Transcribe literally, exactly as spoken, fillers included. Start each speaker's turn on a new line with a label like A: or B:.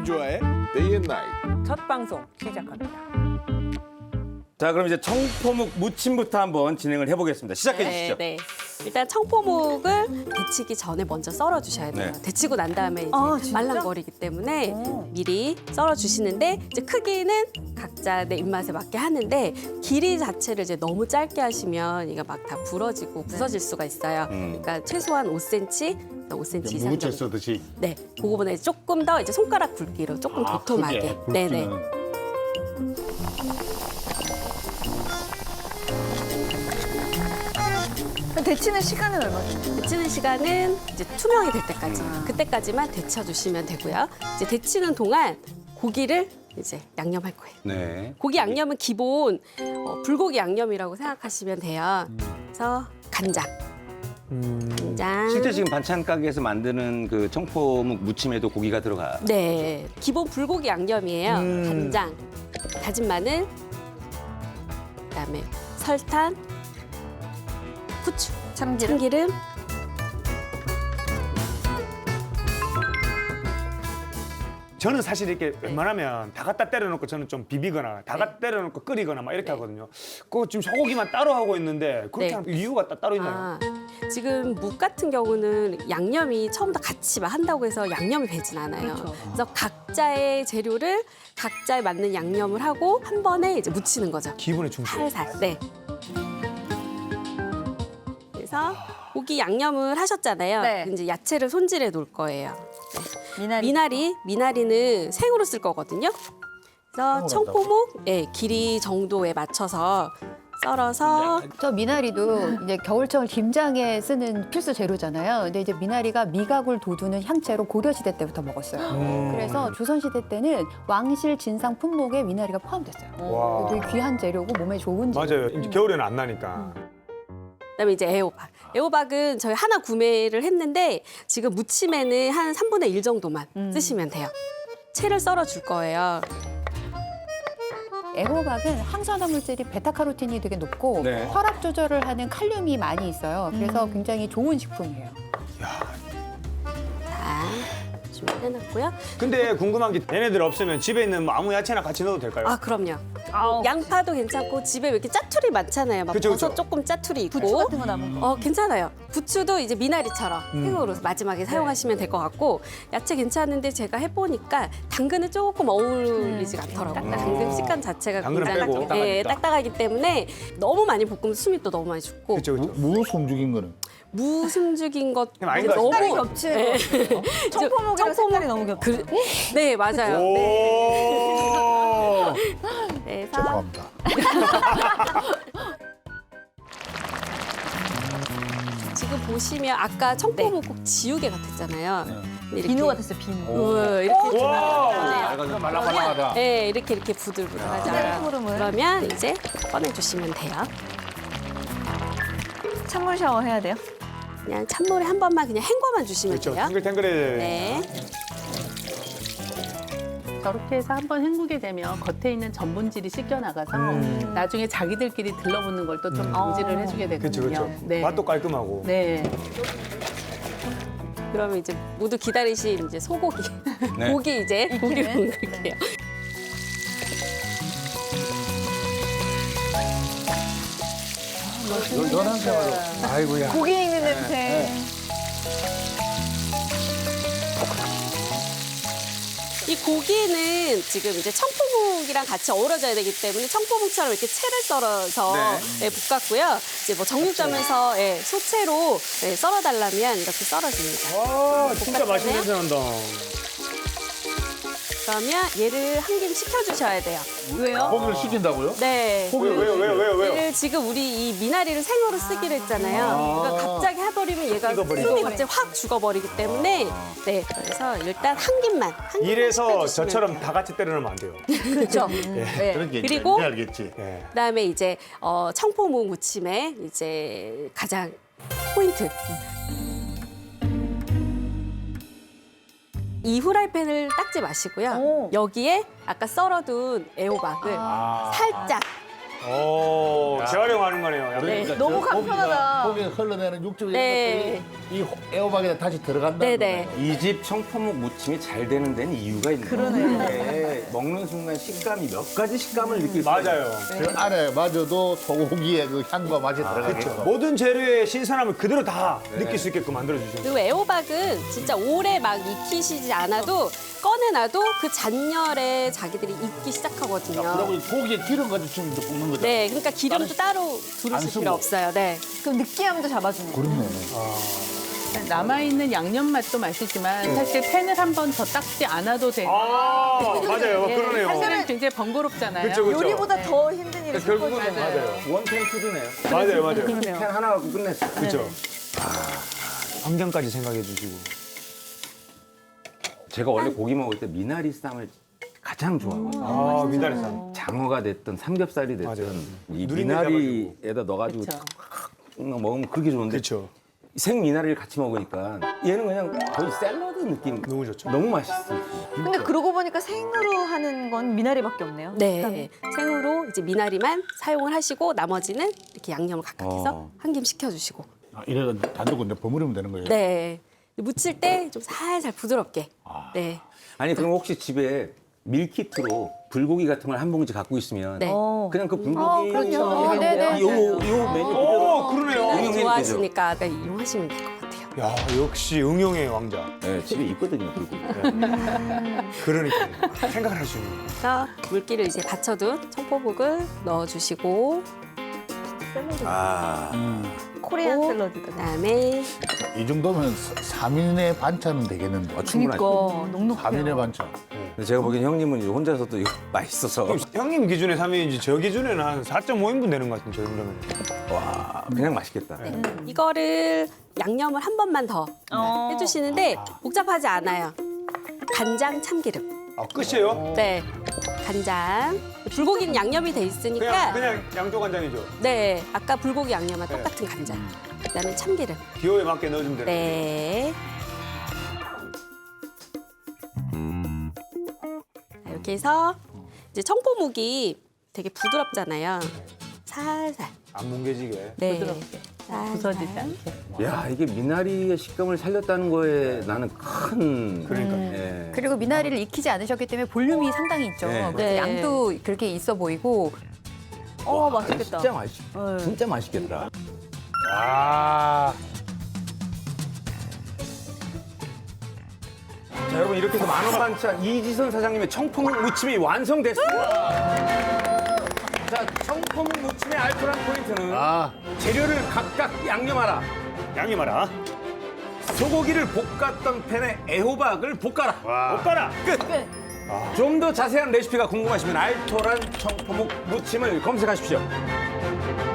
A: 김주아의 Day and Night.
B: 첫 방송 시작합니다.
C: 자, 그럼 이제 청포묵 무침부터 한번 진행을 해보겠습니다. 시작해 주시죠.
D: 네. 일단 청포묵을 데치기 전에 먼저 썰어 주셔야 돼요.
C: 네.
D: 데치고 난 다음에 이제
B: 아, 진짜?
D: 말랑거리기 때문에 미리 썰어 주시는데 이제 크기는 각자 내 입맛에 맞게 하는데 길이 자체를 이제 너무 짧게 하시면 이게 막 다 부러지고 부서질 수가 있어요.
C: 음.
D: 그러니까 최소한 오 센티미터, 오 센티미터 이상
A: 무채
D: 정도.
A: 써듯이.
D: 네, 그거보다 이제 조금 더 이제 손가락 굵기로 조금
A: 아,
D: 도톰하게.
A: 크게
D: 네네.
A: 굵기는.
B: 데치는 시간은 얼마죠?
D: 데치는 시간은 이제 투명이 될 때까지, 그때까지만 데쳐주시면 되고요. 이제 데치는 동안 고기를 이제 양념할 거예요.
C: 네.
D: 고기 양념은 기본 어, 불고기 양념이라고 생각하시면 돼요. 그래서 간장, 간장.
C: 실제 지금 반찬 가게에서 만드는 그 청포묵 무침에도 고기가 들어가.
D: 네, 기본 불고기 양념이에요. 간장, 다진 마늘, 그다음에 설탕, 후추,
B: 참기름.
D: 참기름.
E: 저는 사실 이렇게 웬만하면 다 갖다 때려놓고 저는 좀 비비거나 다 갖다 때려놓고 끓이거나 막 이렇게 하거든요. 그거 지금 소고기만 따로 하고 있는데 그렇게
D: 네.
E: 하는 이유가 따- 따로 있나요?
D: 아, 지금 묵 같은 경우는 양념이 처음부터 같이 막 한다고 해서 양념이 배진 않아요. 그래서 각자의 재료를 각자에 맞는 양념을 하고 한 번에 이제 묻히는 거죠.
E: 기분에 충실.
D: 살살. 네. 그래서 고기 양념을 하셨잖아요.
B: 네.
D: 이제 야채를 손질해 놓을 거예요.
B: 미나리.
D: 미나리, 미나리는 생으로 쓸 거거든요. 그래서 청포묵, 예, 길이 정도에 맞춰서 썰어서
F: 저 미나리도 이제 겨울철 김장에 쓰는 필수 재료잖아요. 근데 이제 미나리가 미각을 돋우는 향채로 고려시대 때부터 먹었어요. 그래서 조선시대 때는 왕실 진상 품목에 미나리가 포함됐어요.
E: 와.
F: 되게 귀한 재료고 몸에 좋은 재료.
E: 맞아요. 이제 겨울에는 안 나니까.
D: 그다음에 이제 애호박. 애호박은 저희 하나 구매를 했는데 지금 무침에는 한 삼분의 일 정도만 쓰시면 돼요. 채를 썰어 줄 거예요.
F: 애호박은 항산화 물질이 베타카로틴이 되게 높고
C: 네.
F: 혈압 조절을 하는 칼륨이 많이 있어요. 그래서 굉장히 좋은 식품이에요.
D: 자, 준비해놨고요.
E: 근데 궁금한 게 얘네들 없으면 집에 있는 뭐 아무 야채나 같이 넣어도 될까요?
D: 아, 그럼요.
B: 아우,
D: 양파도 괜찮고 집에 왜 이렇게 짜투리 많잖아요. 막
E: 그쵸,
D: 버섯
E: 그쵸.
D: 조금 짜투리 있고.
B: 부추 같은 거 남은 거.
D: 어, 괜찮아요. 부추도 이제 미나리처럼 생으로 마지막에 사용하시면 될 것 같고 야채 괜찮은데 제가 해보니까 당근은 조금 어울리지 않더라고요. 당근 식감 자체가
E: 당근은
D: 굉장히
E: 빼고.
D: 예,
E: 딱딱하니까.
D: 딱딱하기 때문에 너무 많이 볶으면 숨이 또 너무 많이 죽고
E: 그렇죠, 그렇죠.
A: 무 숨죽인 거는.
D: 무숨죽인 것
E: 아닌 것
D: 너무
B: 색깔이 겹치는 거. 청포묵이랑 색깔이 너무 겹쳐.
D: 그, 네, 맞아요.
E: 오.
D: 네. 그래서
A: 죄송합니다.
D: 지금 보시면 아까 청포묵 꼭 지우개 같았잖아요. 근데 이렇게-
B: 비누 같았어요, 비누.
D: 어, 이렇게
E: 와.
A: 약간 말랑말랑하다.
D: 네, 이렇게 이렇게 부들부들하잖아요.
B: 흐름을.
D: 그러면 이제 꺼내주시면 돼요.
B: 찬물 샤워 해야 돼요?
D: 그냥 찬물에 한 번만 그냥 헹궈만 주시면
E: 그렇죠.
D: 돼요.
E: 탱글탱글해.
D: 네.
G: 저렇게 해서 한번 헹구게 되면 겉에 있는 전분질이 씻겨나가서 나중에 자기들끼리 들러붙는 걸 또 좀 방지를 해주게
E: 그렇죠,
G: 되거든요.
E: 그렇죠.
G: 네.
E: 맛도 깔끔하고.
G: 네.
D: 그러면 이제 모두 기다리신 이제 소고기,
C: 네.
D: 고기 이제 고기를
B: 익히는?
D: 넣을게요.
A: 연한 생활. 아이고야.
B: 고기 익는 냄새.
D: 이 고기는 지금 이제 청포묵이랑 같이 어우러져야 되기 때문에 청포묵처럼 이렇게 채를 썰어서 네, 볶았고요. 이제 뭐 정육점에서 예, 소채로 예, 썰어달라면 이렇게 썰어줍니다.
E: 아, 진짜 맛있는 냄새 난다.
D: 그러면 얘를 한 김 식혀주셔야 돼요.
B: 왜요?
A: 고기를 시킨다고요?
D: 네.
E: 왜요, 왜요, 왜요, 왜요, 왜요?
D: 얘를 지금 우리 이 미나리를 생으로 쓰기로 했잖아요. 그러니까 갑자기 해버리면 얘가
E: 익어버리죠.
D: 숨이 갑자기 확 죽어버리기 때문에 네. 그래서 일단 한 김만. 한 김만
E: 이래서
D: 식혀주시면
E: 저처럼
D: 돼요.
E: 다 같이 때려놓으면 안 돼요.
D: 그렇죠. 네.
A: 그런 게
D: 그리고
A: 이제 알겠지.
E: 예.
D: 그다음에 이제 어, 청포묵 무침의 이제 가장 포인트. 이 후라이팬을 닦지 마시고요.
B: 오.
D: 여기에 아까 썰어둔 애호박을 살짝
E: 오, 재활용하는 거네요. 양념.
D: 네.
B: 너무 간편하다.
A: 고기가 흘러내는 육즙
D: 네.
A: 이런 것들이 이 애호박에 다시 들어간다.
D: 네네.
C: 이 집 청포묵 무침이 잘 되는 데는 이유가 있는 거예요. 그러네. 먹는 순간 식감이 몇 가지 식감을 느낄 수
E: 맞아요.
A: 그 안에 마저도 소고기의 그 향과 맛이 들어가겠죠.
E: 모든 재료의 신선함을 그대로 다 느낄 수 있게끔 만들어 주시는
D: 그리고 애호박은 진짜 오래 막 익히시지 않아도 꺼내놔도 그 잔열에 자기들이 익기 시작하거든요.
A: 그리고 이 고기에 기름 가지고 지금 이제 볶는 거죠.
D: 네, 그러니까 기름도 따로
A: 안
D: 두르실
A: 쓰고.
D: 필요 없어요. 네.
B: 그럼 느끼함도 잡아주네.
A: 그렇네.
G: 남아있는 양념 맛도 맛이지만 사실 팬을 한 번 더 닦지 않아도 되고
E: 아, 맞아요.
G: 예,
E: 그러네요.
G: 사실은 굉장히 번거롭잖아요.
E: 그렇죠, 그렇죠.
B: 요리보다 더 힘든 일이
C: 결국은
B: 있거든요.
E: 맞아요.
C: 원팬 푸드네요.
E: 맞아요, 맞아요.
D: 그러네요.
C: 팬 하나 갖고 끝냈어.
E: 그렇죠. 환경까지 생각해 주시고.
C: 제가 원래 고기 먹을 때 미나리 쌈을 가장 좋아하거든요.
E: 아, 미나리쌈.
C: 장어가 됐든 삼겹살이 됐든
E: 맞아요.
C: 이
E: 누린내
C: 미나리에다 넣어가지고
G: 그쵸.
C: 막 먹으면 그게 좋은데
E: 그렇죠.
C: 생 미나리를 같이 먹으니까 얘는 그냥 거의 샐러드 느낌.
E: 너무 좋죠.
C: 너무 맛있어요.
B: 근데 그러고 보니까 생으로 하는 건 미나리밖에 없네요.
D: 네. 생으로 이제 미나리만 사용을 하시고 나머지는 이렇게 양념을 각각해서
C: 어.
D: 한 김 시켜주시고.
A: 아, 이래가 단두고 이제 버무리면 되는 거예요.
D: 네. 무칠 때 좀 살살 부드럽게. 네.
C: 아니 그럼 혹시 집에 밀키트로 불고기 같은 걸 한 봉지 갖고 있으면
D: 네.
B: 어.
C: 그냥 그 불고기
F: 그럼요. 네네.
C: 요, 요 메뉴
E: 오, 그러네요.
D: 미나리
C: 응용해도
D: 좋아하시니까 네, 이용하시면 될 것 같아요.
E: 야, 역시 응용의 왕자.
C: 네, 집에 있거든요 불고기.
E: 그러니까 생각을 할 수 있는.
D: 그래서 물기를 이제 받쳐둔 청포묵을 넣어주시고
C: 아,
B: 코리안
D: 오.
B: 샐러드다.
D: 그다음에
A: 이 정도면 삼 인의 반찬은 되겠는데.
C: 어, 충분하죠.
B: 그러니까 넉넉해요.
A: 삼 인의 반찬.
C: 근데 제가 보기엔 형님은 이거 혼자서도 이거 맛있어서
E: 그럼 형님 기준에 삼 인이지 저 기준에는 한 사 점 오 인분 되는 것 같은데, 저 정도면.
C: 와 그냥 맛있겠다.
D: 이거를 양념을 한 번만 더
B: 어.
D: 해주시는데 복잡하지 않아요. 간장, 참기름.
E: 아, 끝이에요?
D: 네, 간장. 불고기는 양념이 돼
E: 그냥,
D: 있으니까
E: 그냥 양조간장이죠.
D: 네, 아까 불고기 양념과
E: 네.
D: 똑같은 간장. 그다음에 참기름.
E: 기호에 맞게 넣어주면 되는
D: 네. 자, 이렇게 해서 이제 청포묵이 되게 부드럽잖아요. 살살.
E: 안 뭉개지게.
D: 네.
G: 부드럽게.
D: 살살.
G: 부서지지 않게.
C: 야 이게 미나리의 식감을 살렸다는 거에 나는 큰
E: 그러니까.
C: 예.
F: 그리고 미나리를 익히지 않으셨기 때문에 볼륨이 상당히 있죠.
C: 네.
F: 그래서
D: 네.
F: 양도 그렇게 있어 보이고
B: 어, 맛있겠다.
C: 진짜 맛있
B: 네.
C: 진짜 맛있겠다.
E: 아.
C: 자 여러분 이렇게 해서 만원 반찬 이지선 사장님의 청포묵 무침이 완성됐습니다. 자 청포묵 무침의 알토란 포인트는
A: 아,
C: 재료를 각각 양념하라.
E: 양념하라.
C: 소고기를 볶았던 팬에 애호박을 볶아라.
E: 못 가라.
C: 끝. 좀 더 자세한 레시피가 궁금하시면 알토란 청포묵 무침을 검색하십시오.